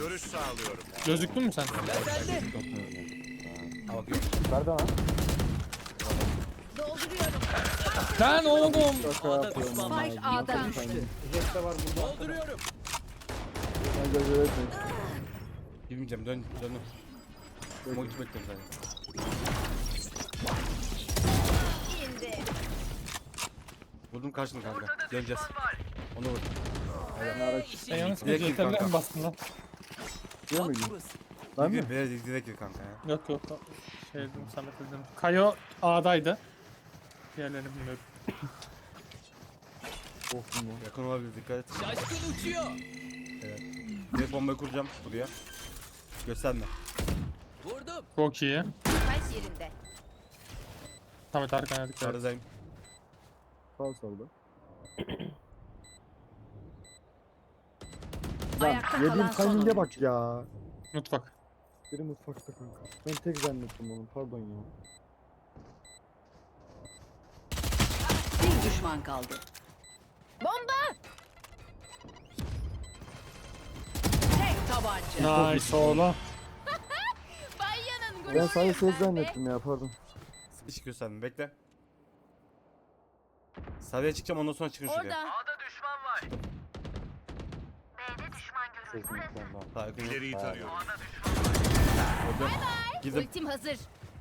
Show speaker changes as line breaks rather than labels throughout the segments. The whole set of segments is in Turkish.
Görüş sağlıyorum.
Gözüktün mü sen?
Nerede lan?
Dolduruyorum.
Lan oğlum.
A'da düşman var.
Spike A'da düştü.
Jet de var burada.
Dolduruyorum.
Girmeyeceğim dön. Smoke bekliyorum zaten.
İndi.
Vurdum kaçtım kanka. Döneceğiz. Onu vur.
Sen yanlış
Direkt
bir
gir
CTRL'e
kanka.
mi bastın lan?
Bak burası.
Ben mi?
Gir biraz direkt gir kanka ya.
Yok yok. Şey dedim Samet dedim. Kayo A'daydı. Diğerlerini bilmiyorum.
Korktum lan.
Yakın olabilir dikkat et.
Şaşkın uçuyor.
Direkt bombayı kuracağım buraya. Gösterme.
Vurdum.
Çok iyi.
Kaç yerinde?
Samet arkana dikkat et.
Sarıdayım.
Sağ solda. Lan
Ayakta kalan
yediğim
son
timing'e
oyuncu.
bak ya.
Mutfak.
Biri mutfakta kanka. Ben tek zannettim onu, pardon ya.
Bir düşman kaldı. Bomba! Tek tabanca.
Nice oğlum.
Bayanın
Ben sadece ses zannettim ya, pardon.
Hiç gösterme bekle. Sarıya çıkacağım ondan sonra çıkın şuraya.
Orada.
Daha yakın yok.
İleriyi tarıyorum.
Orada. Girdim.
Ultim hazır.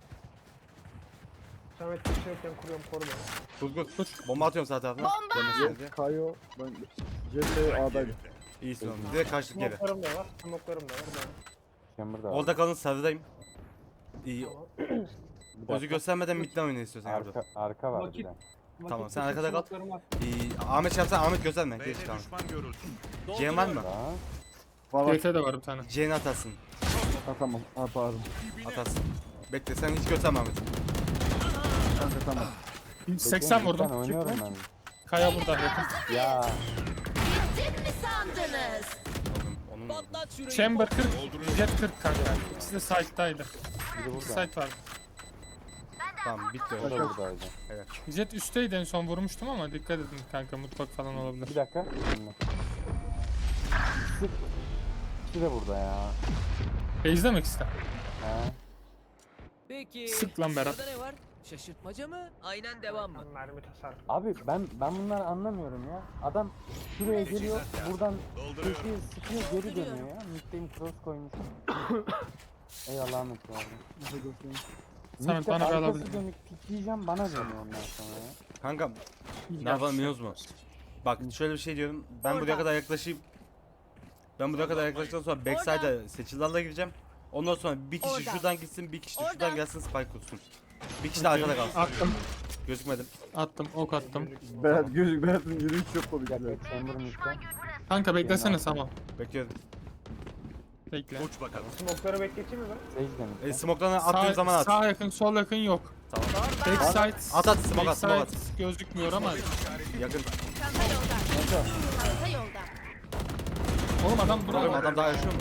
Samet bir şey yokken kuruyorum koruma.
Dur. Bomba atıyorum sağ tarafına.
Bomba!
Dönmesin diye.
Kayo, ben CT A'daydım.
İyisin oğlum. Direkt kaçtık geri.
Smoklarım da var. Smoklarım da var.
Chamber da var. Orada kalın sarıdayım. İyi. Gözü göstermeden midden oynayın istiyorsan orada.
Arka var bir
Vakit-
de.
Tamam, sen arkada kal.
Smoklarım var.
İyi. Ahmet çarpsan Ahmet gösterme. Geç
B'de
tamam.
düşman görüldü.
Cem var mı?
Daha.
Valla
CT de var bir tane.
C'ni atarsın.
tamam, pardon.
Atarsın. Bekle sen hiç gösterme Ahmet.
Kanka tamam.
80
Ben
vurdum.
oynuyorum ben.
Kaya burada yakın.
Ya
Gittim mi sandınız?
Onun
Patlat şurayı.
Chamber 40, Jet 40 kanka. İkisi de site'daydı.
biri
İki
burada.
site vardı.
tamam bitti
O da
öyle.
buradaydı.
Jet üstteydi en son vurmuştum ama dikkat edin kanka mutfak falan olabilir.
Bir dakika. Şimdi. Sık. İkisi de burada ya.
Base'de mi ikisi de?
He.
Peki.
Sık lan Berat.
Sırada ne var? Şaşırtmaca mı? Aynen devam mı?
Mermi tasarrufu.
Abi ben bunları anlamıyorum ya. Adam şuraya geliyor, buradan
Dolduruyorum.
köşeye sıkıyor, geri dönüyor ya. Mid'deyim cross koymuş. Eyvallah Ahmet bu arada.
Bize göstereyim.
Samet,
Mid'de
bana bir
arkası
alabilir
dönük pikleyeceğim, bana dönüyor ondan sonra ya.
Kankam ne yapalım biliyoruz mu? Bak şöyle bir şey diyorum. Ben buraya kadar yaklaşayım. Ben buraya kadar yaklaştıktan sonra backside'a seçilerle gireceğim. Ondan sonra bir kişi
Orada.
şuradan gitsin, bir kişi de
Orada.
şuradan gelsin spike kursun. Bir kişi de arkada kalsın.
Attım,
Gözükmedim.
ok attım.
Berat gözük, Berat'ın yürüyüş çok komik.
Bir dakika, chamber mid'de.
Kanka beklesene Samo.
Bekliyorum.
Bekle.
Uç bakalım.
Smokları bekleteyim mi ben?
Sage de mid'de.
Smoke'dan attığım zaman at.
Sağ yakın, sol yakın yok.
Tamam.
Backside,
At at smoke at smoke at.
backside gözükmüyor ama.
Yakın.
Çanta yolda. Çanta yolda.
Oğlum adam
Oğlum
burada.
adam daha yaşıyor mu?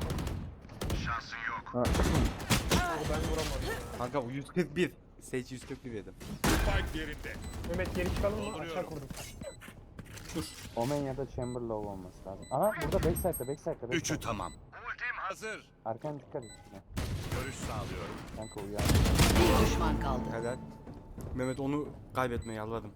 Ben vuramadım.
Kanka o 141. Sage 141 yedim.
Spike yerinde.
Mehmet geri çıkalım mı? Aşağı kurdum.
Omen ya da chamber low olması lazım. Aha burada backside'da.
Üçü tamam. Ultim hazır.
Arkan dikkat et. şuna.
Görüş sağlıyorum.
Kanka uyar.
Bir düşman kaldı.
Helal. Mehmet onu kaybetmeye yalvardım.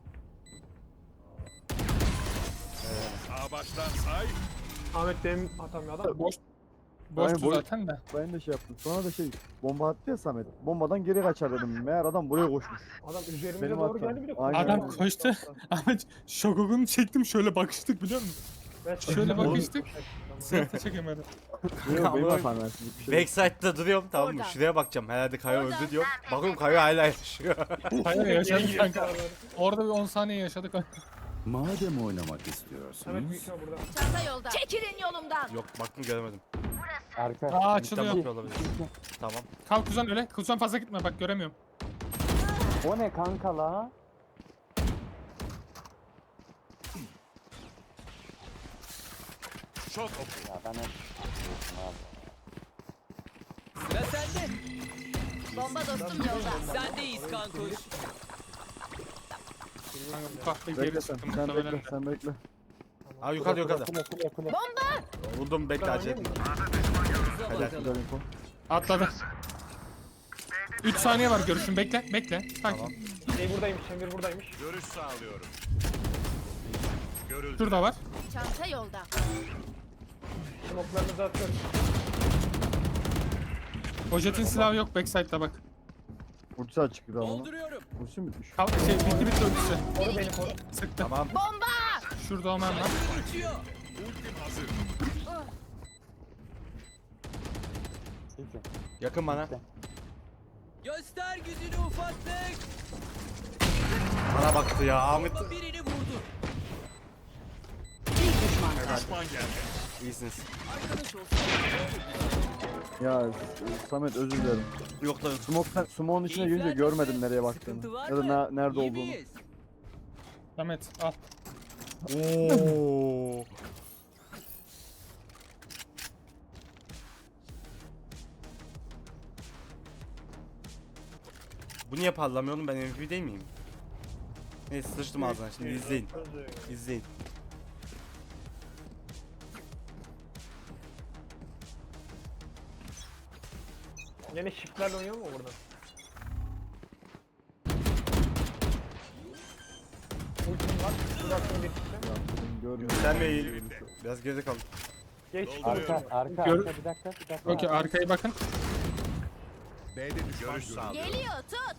Sağ baştan say.
Ahmet benim atamıyor adam.
Boş.
Aynen,
Boştu
boş.
zaten de.
Ben de şey yaptım. Sonra da bomba attı ya Samet. Bombadan geri kaçar dedim. Meğer adam buraya koşmuş.
Adam üzerimize
Benim
doğru
hatam.
geldi bir de.
Aynen.
Adam koştu. Ahmet şokogunu çektim şöyle bakıştık biliyor musun? Şöyle bakıştık. Sırtı çekemedim.
Yok benim
Ama-
hatam yani. Bir şey yok.
Backside'da duruyorum tamam mı?
Orada.
Şuraya bakacağım. Herhalde Kaya
Orada.
öldü diyorum. Bakıyorum Kaya hala yaşıyor.
Hayır yaşadık kanka. Orada bir 10 saniye yaşadık.
Madem oynamak
Samet
istiyorsunuz.
büyük ihtimal burada.
Çanta yolda. Çekilin yolumdan.
Yok baktım göremedim.
Arka.
Aa
Midden
açılıyor.
bakıyor olabilir. Tamam.
Kalk kuzen öyle. Kuzen fazla gitme bak göremiyorum.
O ne kanka la?
Çok oku.
Ya ben hep abi.
Sıra sende.
Bomba dostum yolda.
Sendeyiz kankuş.
Kanka bu kahve
Bekle
geri
sen.
çıktım
Sen
muhtemelen
bekle.
de.
Sen bekle.
Abi yukarıda yukarıda.
Kule.
Vurdum bekle acele etme.
Uza
Helal.
bakalım.
Güzel info.
Atladı. 3 saniye var görüşün. Bekle. Bekle. Sakin.
Tamam.
Şey buradaymış, Chamber buradaymış.
Görüş sağlıyorum. Görüldü.
Şurada var.
Çanta yolda.
Smoke'larınızı atıyorum.
O jetin silahı yok. Backside'da bak.
Ultisi açık bir zaman.
Dolduruyorum.
Ultisi mi düş?
Bitti ölçüsü.
Koru beni koru.
Sıktı.
Tamam.
Bomba!
Şurada Omen var.
Geçiyor.
Ultim hazır.
Seçin.
Yakın bana.
Göster gücünü ufaklık.
Bana baktı ya Ahmet.
Bomba birini vurdu.
Bir düşman kaldı.
Düşman geldi.
İyisiniz.
Arkadaş olsun.
Ya Samet özür dilerim.
Yok da yok.
Smoke'un içine girince
Keyifler
görmedim
nasıl?
nereye
Sıkıntı
baktığını.
var
Ya da
mı?
nerede
İyi
olduğunu.
miyiz?
Samet al.
Oo. Bu niye parlamıyor oğlum, ben MVP değil miyim? Neyse sıçtım ağzına, şimdi izleyin. İzleyin.
Yine shift'lerle oynuyor mu burada? Ultim var. Bıraktım bir çıktı.
Görmüyorum.
Sen de iyi. Biraz geride kalın.
Geç.
Arka, arka,
Gör-
arka, bir dakika.
Okey arkaya bakın.
B'de düşman görüş sağlıyorum.
Geliyor tut.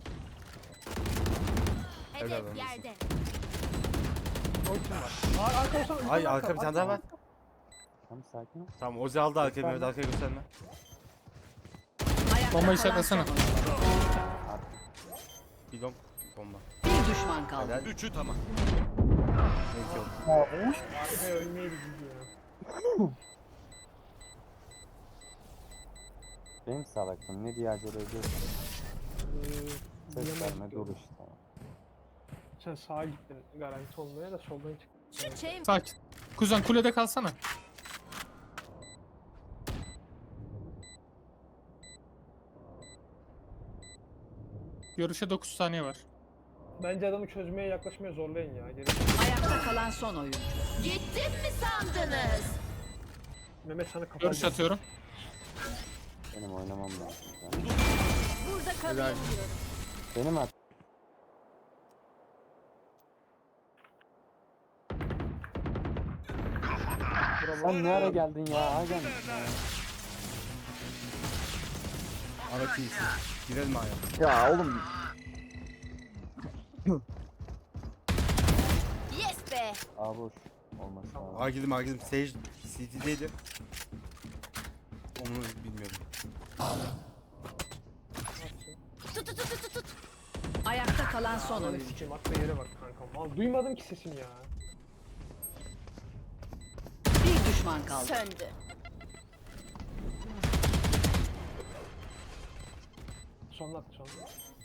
Helal
Hedef
olsun.
yerde.
Ultim var. Arka olsana.
Ay arka bir tane daha var.
Tamam sakin ol.
Tamam Ozi aldı arkayı, Mehmet arkaya gösterme.
Ayakta
Bombayı
kalan
işaretlesene.
son oyuncu.
Bir long bomba.
Bir düşman kaldı.
Helal.
Üçü tamam.
Neyse yok.
Arkaya ölmeyi gidiyor.
Benim salaklığım ne diye acele ediyorsun? Ses verme dur işte.
Sen sağa gittin garanti olmaya da soldan çıktın.
Şu çev...
Sakin. Kuzen kulede kalsana. Görüşe 9 saniye var.
Bence adamı çözmeye yaklaşmaya zorlayın ya. Geri.
Ayakta kalan son oyuncu. Gittim mi sandınız?
Mehmet sana kafa
Görüş atıyorum.
Benim oynamam lazım. Yani.
Burada kalayım diyorum.
Benim at. Sen ne ara geldin ya? Hagen.
Ahmet iyisin. Girelim ayağa.
Ya oğlum
Yes be.
A boş. Olması lazım.
A girdim. Sage CT'deydi. Onu bilmiyorum.
Tut tut tut tut tut. Ayakta kalan son
Ananı
oyuncu.
sikeyim atla yere bak kankam. Al duymadım ki sesini ya.
Bir düşman kaldı. Söndü.
Sonuna at sonuna.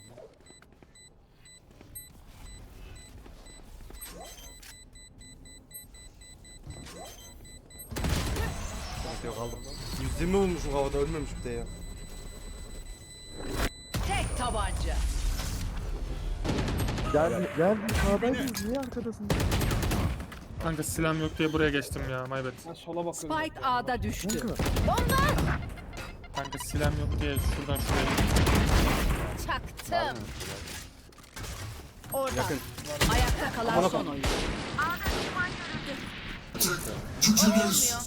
Yok aldım. 120 vurmuşum havada, ölmemiş bir de ya.
Tek tabanca.
gel sağdaydınız niye arkadasın?
Kanka silahım yok diye buraya geçtim ya. My bad.
Ben sola bakıyorum.
Spike A'da düştü.
Kanka.
Kanka silahım yok diye şuradan şuraya.
Çaktım. Oradan.
Yakın.
Ayakta kalan son oyuncu. Olmuyor.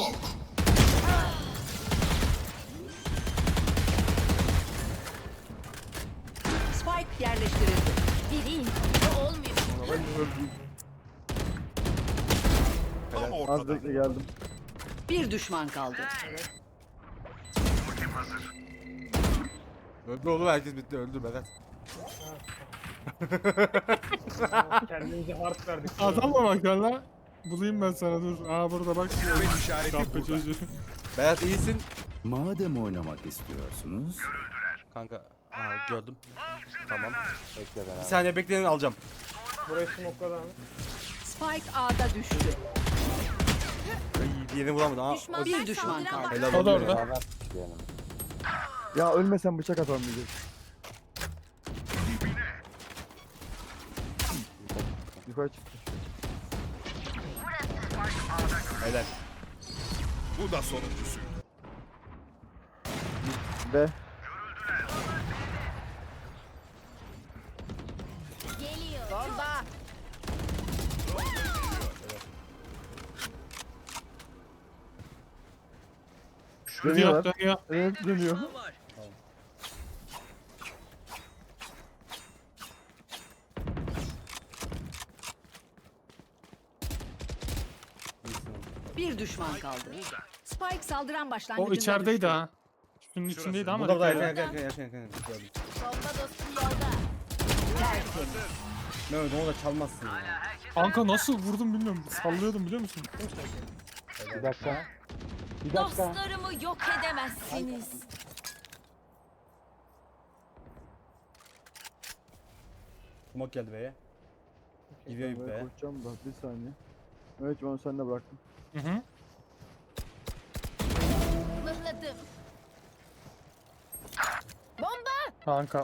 Spike yerleştirildi. Gireyim. Olmuyor.
Tam
Az
ortada.
bekle geldim.
Bir düşman kaldı.
Öldü oğlum, herkes bitti, öldü Berat.
Kendimize harf verdik.
Adam mı bak lan? Bulayım ben sana dur. Aa burada bak.
Kuvvet işareti
Kahpe
burada.
çocuğu.
Berat iyisin.
Madem oynamak istiyorsunuz.
Kanka. Aa gördüm. Tamam.
Bekle
Bir
beraber.
saniye bekleyin, alacağım.
Burayı smokladı abi.
Spike A'da düştü.
Ay, diğerini vuramadım. Aa,
Düşman bir düşman kaldı.
helal
O da
olsun ya.
orada.
Beraber diyelim.
Ya ölmesen bıçak atalım diyecek. Yukarı çıktı.
Helal.
Bu da sonuncusu.
B.
Geliyor. Bomba.
Dönüyor
Dönüyorlar.
dönüyor.
Evet dönüyor.
Düşman var.
Bir düşman kaldı. Spike saldıran başlangıcında
O içerideydi
düştü.
ha. Şunun içindeydi ama.
Burada da
dikkat
yakın
edin.
yakın yakın yakın. Gördüm.
Bomba dostum yolda. Tertemiz.
Mehmet onu da çalmazsın ya.
Kanka nasıl vurdum bilmiyorum. Sallıyordum biliyor musun?
Bir dakika. Bir dakika.
Dostlarımı yok edemezsiniz.
Smoke geldi B'ye. Gidiyor
Ben
ip
buraya
be.
koşacağım da bir saniye. Evet ben onu sende bıraktım.
Hı hı.
Mıhladım. Bomba.
Kanka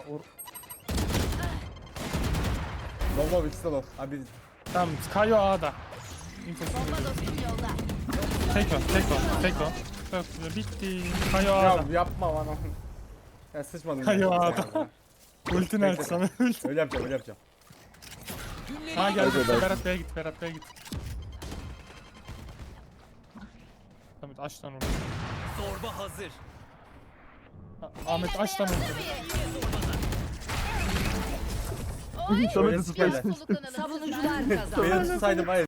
Low ikisi de low. Abi
tamam Kayo A'da. İnfosu.
Bomba dostum yolda.
Tek o. Çok güzel bitti. Kayo
ya
A'da.
yapma bana. Ya sıçmadım.
Hayır,
ya.
adam. Ultini aç sana.
Öyle yapacağım öyle yapacağım.
Ha gel
Hadi, hadi.
Berat Bey'e git. Berat Bey'e git. Tamam aç lan onu.
Zorba hazır.
Ahmet aç lan onu.
Samet'in
Öyle
space'ini
sikerler.
Savunucular kazandı.
Beni tutsaydım hayır.